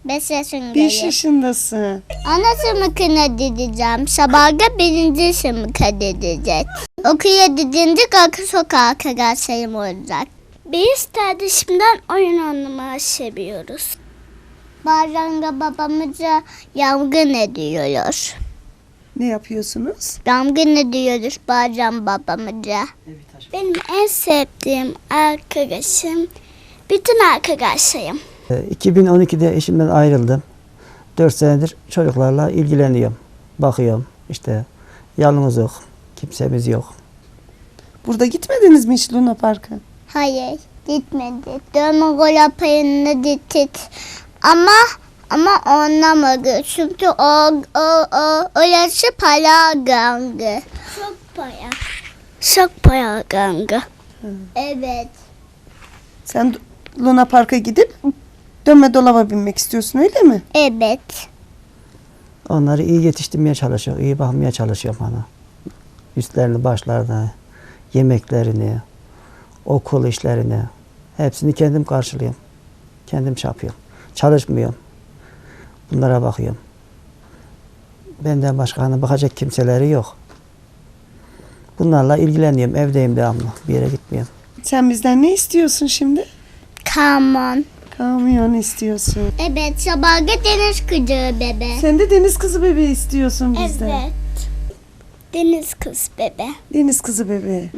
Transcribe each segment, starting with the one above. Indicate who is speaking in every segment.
Speaker 1: 5 yaşındayım.
Speaker 2: 5 yaşındasın.
Speaker 1: Ana sınıfına gideceğim. Sabahda 1. sınıfa gidecek. Okula gidince arka sokağa arkadaşlarım olacak. Biz kardeşimden oyun oynamayı seviyoruz. Bazen de babamıza yangın ediyoruz.
Speaker 2: Ne yapıyorsunuz?
Speaker 1: Yangın ediyoruz bazen babamıza. Benim en sevdiğim arkadaşım bütün arkadaşlarım.
Speaker 3: 2012'de eşimden ayrıldım. 4 senedir çocuklarla ilgileniyorum. Bakıyorum işte, yalnızlık, kimsemiz yok.
Speaker 2: Burada gitmediniz mi hiç Luna Park'a?
Speaker 1: Hayır, gitmedik. Dönme gol payına gittik. Ama anlamadı. Çünkü orası para gangi. Çok para. Çok para gangi. Evet.
Speaker 2: Sen Luna Park'a gidip dönme dolaba binmek istiyorsun öyle mi?
Speaker 1: Evet.
Speaker 3: Onları iyi yetiştirmeye çalışıyorum, iyi bakmaya çalışıyorum bana. Üstlerini, başlarını, yemeklerini, okul işlerini, hepsini kendim karşılıyorum. Kendim yapıyorum. Çalışmıyorum. Bunlara bakıyorum. Benden başka hani bakacak kimseleri yok. Bunlarla ilgileniyorum. Evdeyim devamlı. Bir yere gitmiyorum.
Speaker 2: Sen bizden ne istiyorsun şimdi?
Speaker 1: Come on.
Speaker 2: Kamyon istiyorsun.
Speaker 1: Evet, sabahda deniz kızı bebe.
Speaker 2: Sen de deniz kızı bebeği istiyorsun bizden.
Speaker 1: Evet. Deniz kız bebe.
Speaker 2: Deniz kızı bebeği.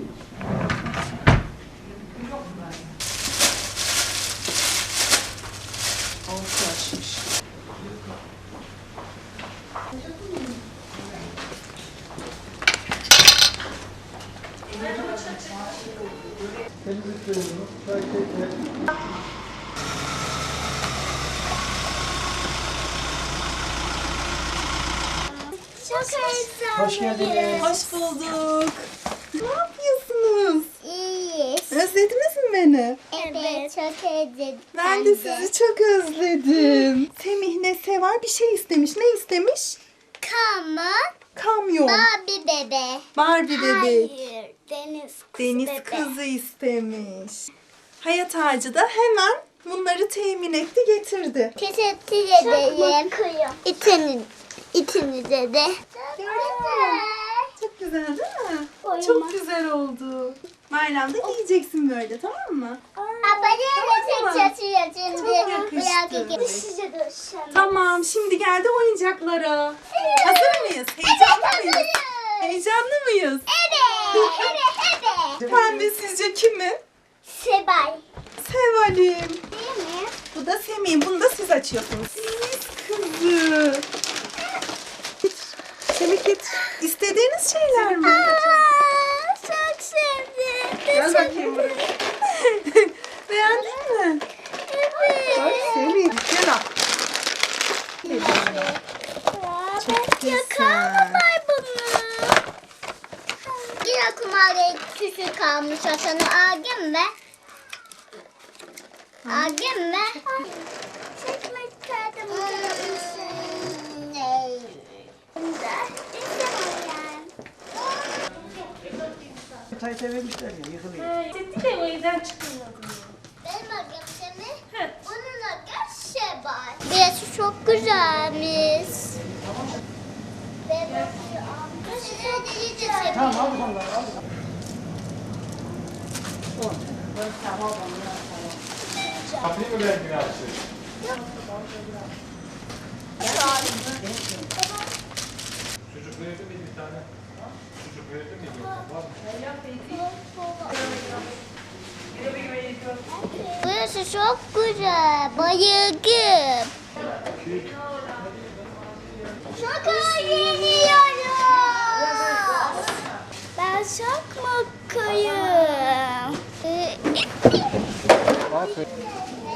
Speaker 1: Çok heyecanlıyım.
Speaker 3: Hoş geldiniz.
Speaker 2: Hoş bulduk. Ne yapıyorsunuz?
Speaker 1: İyiyiz.
Speaker 2: Özlediniz mi beni?
Speaker 1: Evet, çok heyecanlıyım.
Speaker 2: Ben de sizi çok özledim. Semih ne sever? Bir şey istemiş. Ne istemiş?
Speaker 1: Come on.
Speaker 2: Kamyon.
Speaker 1: Barbie bebe.
Speaker 2: Barbie bebek.
Speaker 1: Hayır, deniz kız
Speaker 2: Deniz
Speaker 1: bebe.
Speaker 2: kızı istemiş. Hayat Ağacı da hemen bunları temin etti getirdi.
Speaker 1: Teşekkür ederim. İçinize de.
Speaker 2: Çok güzel değil mi?
Speaker 1: Oyma.
Speaker 2: Çok güzel oldu. Bayramda giyeceksin böyle, tamam mı?
Speaker 1: Abone de çatıyor şimdi.
Speaker 2: Çok yakıştı.
Speaker 1: Size de hoşçakalın.
Speaker 2: Tamam, şimdi geldi oyuncaklara. Hazır mıyız? Heyecanlı mıyız? Heyecanlı mıyız?
Speaker 1: Evet.
Speaker 2: Pembe sizce kimin?
Speaker 1: Sebay.
Speaker 2: Seval'im.
Speaker 1: Değil mi?
Speaker 2: Bu da Semih'in. Bunu da siz açıyorsunuz. Deniz kızı. Semih git. İstediğiniz şeyler mi?
Speaker 1: Çok sevdim.
Speaker 2: Gel bakayım buraya. Beğendin mi?
Speaker 1: Evet.
Speaker 2: Bak Semih. Gel al.
Speaker 1: Çok güzel. Bunu. Yine kumarı küçük kalmış Hasan'ı aldım ve çekmek istedim.
Speaker 3: Tayt vermişler ya, yıkılıyor.
Speaker 4: Dedi de o evden çıkılmadı.
Speaker 1: Benim agam onun agam Şebay. Burası çok güzelmiş.
Speaker 3: Tamam, al bakalım, al bakalım.
Speaker 5: Kapıyı mı verdi biraz? Çocuk verdi mi bir tane? Çocuk verdi mi? Var mı?
Speaker 1: Burası çok güzel. Bayıldım. Çok eğleniyoruz. Ben çok mutluyum.